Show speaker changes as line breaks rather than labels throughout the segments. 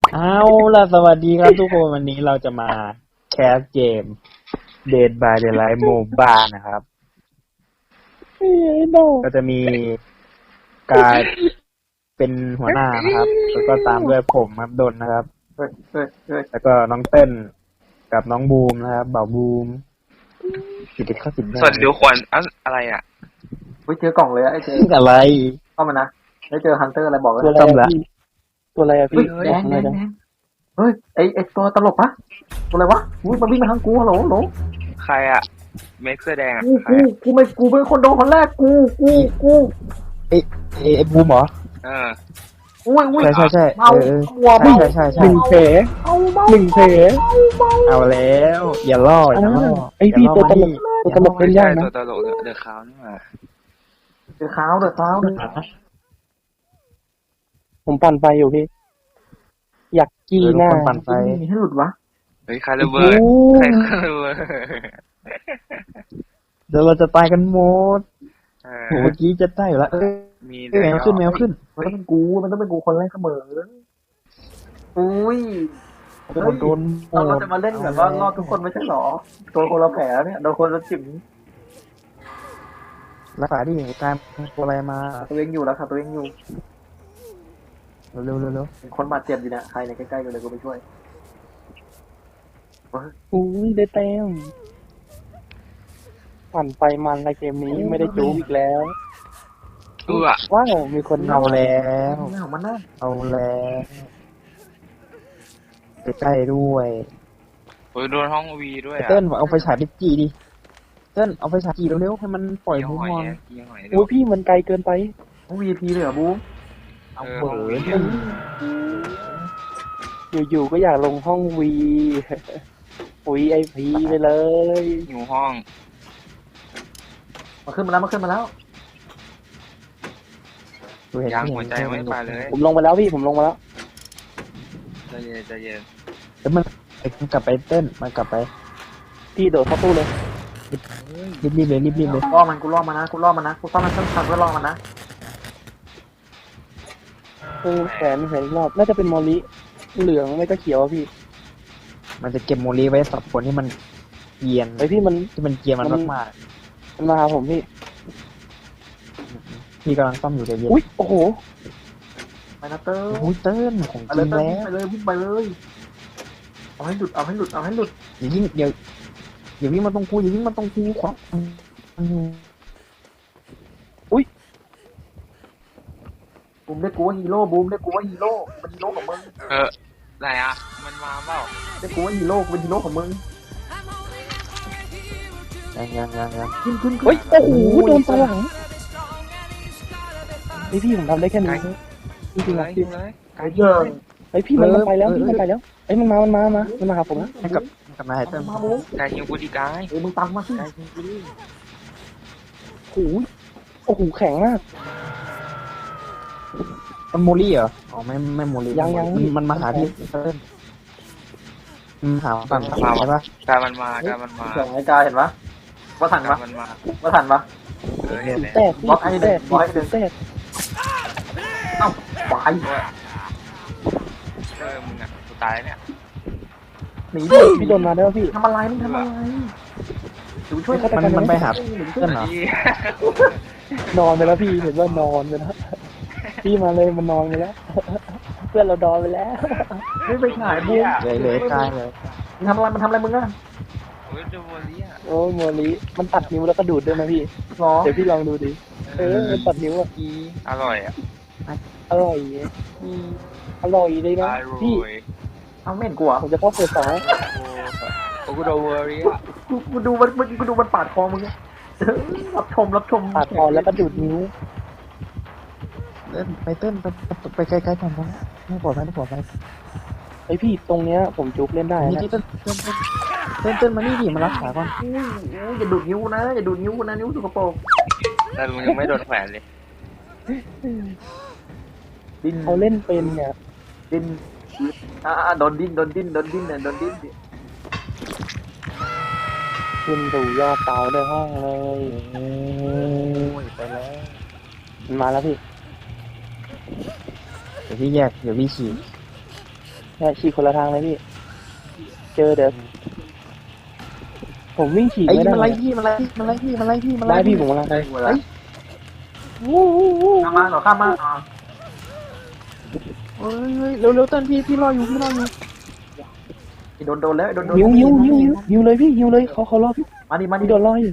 เอาล่ะสวัสดีครับทุกคนวันนี้เราจะมาแคสเกม Dead by Daylight Mobile นะครับก็จะมีกายเป็นหัวหน้านะครับ แล้วก็ตามด้วยผมครับดนนะครับแล้วก็น้องเต้นกับน้องบูมนะครับบ่าวบูมติดเข้าสิบได้
ส่วนเดี๋ยวขวัญอะไรอ่ะ
เจอกล่องเลยไอ้เจ
อะไร
เข้ามานะได้เจอฮันเตอร์อะไรบอกเลย
ต้มละ
ตัวอะไรอะพี่
แดงเฮ้ยไอ้ตัวตลกปะตัวอะไรวะอุ้ยมันวิ่งมาทางกูฮัลโหล
ใครอ่ะเมคเสื้อแดงอ่ะ
กูเป็นคนโดนคนแรกกู
เอ้บูมเหรอ
อุ้ย
ใช่
เมาหัว
ใช่
หนึ่งแผล หนึ่งแผล
เอาแล้วอย่าล่อ
ไอพี่ตัวตลกตัวตลก
ไม่
เล่น
ใช่
ยากนะ
ตัวตลกเดือดขาวนี่หว่า
เดือดขาว
ผมปั่นไฟอยู่พี่ อยากกี้หน้า
คนปั่นไฟ
มีให้หลุดวะ
เฮ้ยใครระเบิดใครระเบิด
เดี๋ยวเราจะตายกันหมดโหเมื่อกี้จะได้อยู่แล้ว
มี
แมวขึ้น
มันต้องเป็นกูคนแรกเสมออุ้ย
โดน
เราจะมาเล่นแบบว่ารอดทุกคนไม่ใช่หรอตัวคนละแผลเนี่ยโดนคนละจิ๋ม
รักษาดิตามตัวอะไรมา
ตัวเองอยู่แล้วค่ะตัวเองอยู่
เร็ว
คนบาดเจ็บอยู่เนี่ยใครในใกล้ๆกันเลยกูไปช่วย
อุ้ยได้แต้มปั่นไฟมันในเกมนี้ไม่ได้จู๊อีกแล้ว ว้าวมีคน
เอาแล้ว
เอามันนะ
เอาแล้วใกล้ๆด้วย
โอ้ยโดนห้องวีด้วยอ่ะ
เต้นเอาไฟฉายไปจีดิเต้นเอาไฟฉายจีเร็วๆให้มันปล่อย
ยี่
มุ
ห
ม
อย
มอง
ยี่หอย
โอ้ยพี่มันไกลเกินไป
VIP เลยเหรอบูม
เอาเบิร์ด
อยู่ๆก็อยากลงห้องวีปุ๋ยไอพีไปเลย
อยู่ห้อง
มาขึ้นมาแล้ว
ยางหัวใจไม่ไปเลย
ผมลงไปแล้วพี่ผมลงมาแล้ว
ใจเย็น
แล้วมันกลับไปเต้นมันกลับไป
พี่โดดเข้าตู้เลย
รีบเลย
ล่อมันกูล่อมันนะกูซ่อมมันสั้นๆเพื่อล่อมันนะ
แขนอีกรอบน่าจะเป็นมอลิเหลืองไม่ก็เขียวอะพี่
มันจะเก็บโมลีไว้สำหรับคนที่มันเกรียน
ไอพี่มัน
ที่มันเกรียนมันมาก
มันมาหาผมพี่
ๆพี่กำลังซ่อมอยู่ใจเย็น
อุ้ยโอ้โห
ไปนะเตอร์
โอ้ยเต้นของ
ไป
จ
เล
ริ
ย
ง
เตอ
แล้ว
ร์วิ่งไปเลยเอาให้หลุด
อย่าวิ่งมาตรงกูขวา
บูมได้กูว่าฮีโร่มันฮีโร่ของมึง
ไหนอ่ะมันมาเปล่า
ได้กูว่าฮีโร่กูเป็นฮีโร่ของมึง
ยัง
ขึ้น
เฮ้ยโอ้โหโดนตาหลังไอพี่ผมทำได้แค่นี้จริงๆนะพี่
ไอ้เหี้ย
ไอพี่มันไปแล้วพี่มันไปแล้วไอมันมาหาผมนะ
ให้กับนายเต้น
มาบูม
กายยิงกูดีกาย
มึงตามมาสิ
โอ้โหแข็งมาก
มันโมลี่เหรออ๋อไม่โมลี่
ยัง
มันมาหาพี่เต้นหาฝั่งใช่ปะ
กายมันมา
เสียงไอ้กายเห็นปะว่าทันปะ
มันมา
แตกพี่แตก
เอ้าไป
มึงอ่ะกูตายเนี่ย
หนี
พี่โดนมาได้ป่ะพี่
ทำอะไรมึงดูช่วย
มันไปหาเต้นเหรอน
อนไปแล้วพี่เห็นว่านอนไปแล้วพี่มาเลยมันนอนไปแล้ว เพื่อนเรานอนไปแล้ว
ไม่ไปขายบูม
เลยกายเลย
มันทำอะไรมึงอะ
โอ้ยดูโมลี่อ่ะ
โอ้โมลิมันตัดนิ้วแล้วก็ดูดด้วยนะพี่
หรอ
เดี๋ยวพี่ลองดูดิมันตัดนิ้วอ่ะ
อร่อยอ่ะ
อร่อยอร่อยเลยนะพี่
เอาไม่เห็นกูอ่ะ
ผมจะเข้าเฟส 2
โอ้กูโดนเวอรี่อ่ะ
กูดูมันปาดคอมึงรับชม
ปาดคอแล้วก็ดูดนิ้ว
ไปเต้นไปไกลๆก่อนนะไม่ปลอดภัย
ไอพี่ตรงเนี้ยผมจุ๊บเล่นได้
นี่
นะ
เต้นมานี่ดิมารักษาก่อน
อย่าดูดนิ้วนะนิ้วสกปรก
แต่มึงยังไม่โดนแขวนเลย
ดิ้น
เขาเล่นเป็นเนี่ย
ดิ้นโดนดิ้นดิ
ขึ้นสู่ยอดเตาในห้องเลย
โอ้ยไปแล้ว
มันมาแล้วพี่
เดี๋ยวพี่แยกเดี๋ยวพี่ฉีด
ใช่ฉีกคนละทางเลยพี่ เจอเดี๋ยวผมวิ่งฉีก
ไอ้
ไม่ได้
มันไล่พี่มันไล่พี่มันไล่พี่มันไล่พี่มัน
ได้
ไล่
พี่ผมกำลังไป
ได้กูแล้วข้ามมาเหรอข้ามมาอ๋อ
เฮ้ยเร็วๆเต้นพี่รออยู่
โดนแล้วโดน
หิวเลยพี่หิวเลยเขารอพี่
มาดิ
พี่โดนรออยู่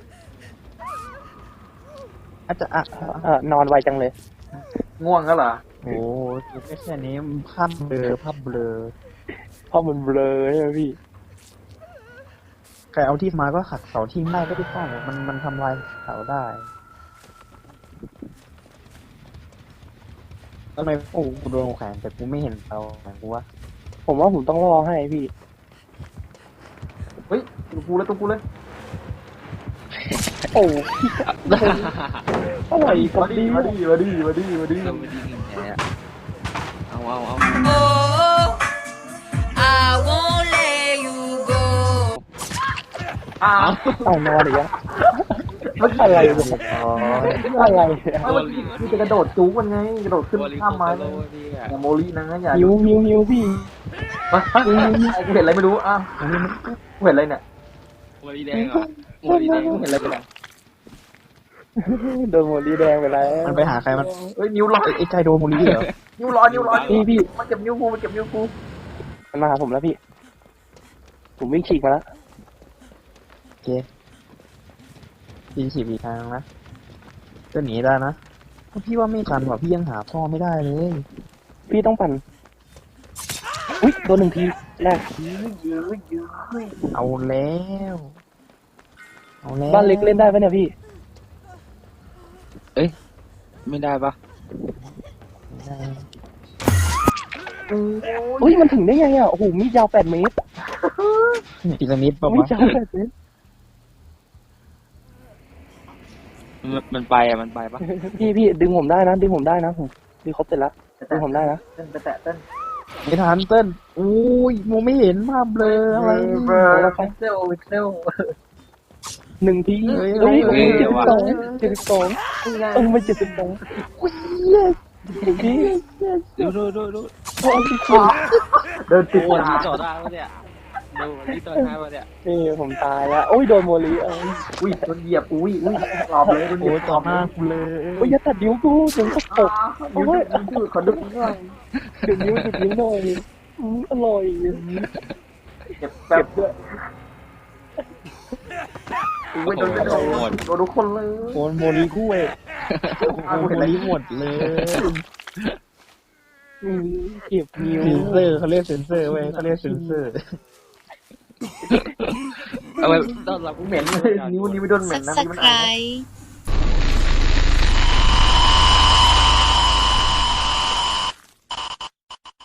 อาจจะ
นอนไวจังเลย
ง่วงก็เหรอ
โอ้แค่นี้ภาพเบลอ
เพราะมันเบลอใช่ไหมพี่
ใครเอาที่มาก็หักเสาทิ้งได้ก็ได้ป้องมันทำลายเสาได้ทำไมโอ้กูโดนแขวนแต่กูไม่เห็นเสาแขวนกูวะ
ผมว่าผมต้องรอให้พี่
เฮ้ยตัวกูเลย
โอ้อะไรกับดี
มาดิ
เราไม่ได้ยิงแพ้อะเอา
I won't let you go.
อ้าว
เอานอนอีกแล้วอะไรเนี่ย
อ๋อ
อะไร
นี่จะกระโดดจู๊มันไงกระโดดขึ้น
โอริ
ข้ามไม้
โกโลดีอะ
อย่าโมลีนะอย่า
หิวพี่
กูเห็นอะไรไม่รู้อ้าวกูเห็นอะไรเนี่ย
โมลีแดงเหรอโมลีแดง
กูเห็นอะไรไปเนี่ย
โดนโมลีแดงไปแล้ว
มันไปหาใครมัน
เฮ้ยนิ้วล็อก
ไอ้ใจโดนโมลีเหรอ
นิ้วรอ
พี่
มันเก็บนิ้วกู
มันมาหาผมแล้วพี่ ผมวิ่งฉีกมาแล้ว
โอเคพี่ฉีบอีกทางนะจะหนีได้นะพี่ว่าไม่ทันว่ะพี่ยังหาพ่อไม่ได้เลย
พี่ต้องปั่นอุ๊ยโดนหนึ่งทีแรก
เอาแล้ว
บ้านเล็กเล่นได้ไหมเนี่ยพี่
ไม่ได้ปะ
ไม่ได้
อุ้ยมันถึงได้ไงอ่ะโอ้โหมีดยาว8 เมตร
พีระมิดป่ะ
มีด
วะ
ยาว8 เมตร
มันไปปะ
พี่ดึงผมได้นะผมดีครบเสร็จแล้วดึงผมได้นะ
เต้นไปแตะเต้น
ไม่ทันเต้นอุ้ยมองไม่เห็นภาพเบลออะไร
เซล
1 ที
เฮ้ย
เฮ้ย
เฮ้ย
72ไม่72อุ้ยพี่
ดู
โอ้ย
เดินติด
โอ้ย
ตา
ต่อได้ปะเนี่ยดูนี่ต่อได้ปะเนี่ย
นี่ผมตายแล้วโอ้ยโดนโมลี
อุ้ยโดนเหยียบอุ้ยหลอบเลยโดนเหยี
โอ้
ยบ
ต่อหน้ากูเลย
โอ้ยอย่าตัดนิ้วกูถึงก็ตก
นิ้วขอดึงหน่อย
ดึงนิ้วหน่อยอร่อย
เก็บแบบด้วยอุ้ยโดนทุกคนเลย
โอนโมลีคู่เองโอนโมลีหมดเลย
เก็บนิ้ว
เซนเซอร์เขาเรียกเซนเซอร์เว้ยเขาเรียกเซนเซอร์
เอาไปต้อนรับ
เหม็นเลยนิ้วไม่โดนเหม็นนะ
Subscribe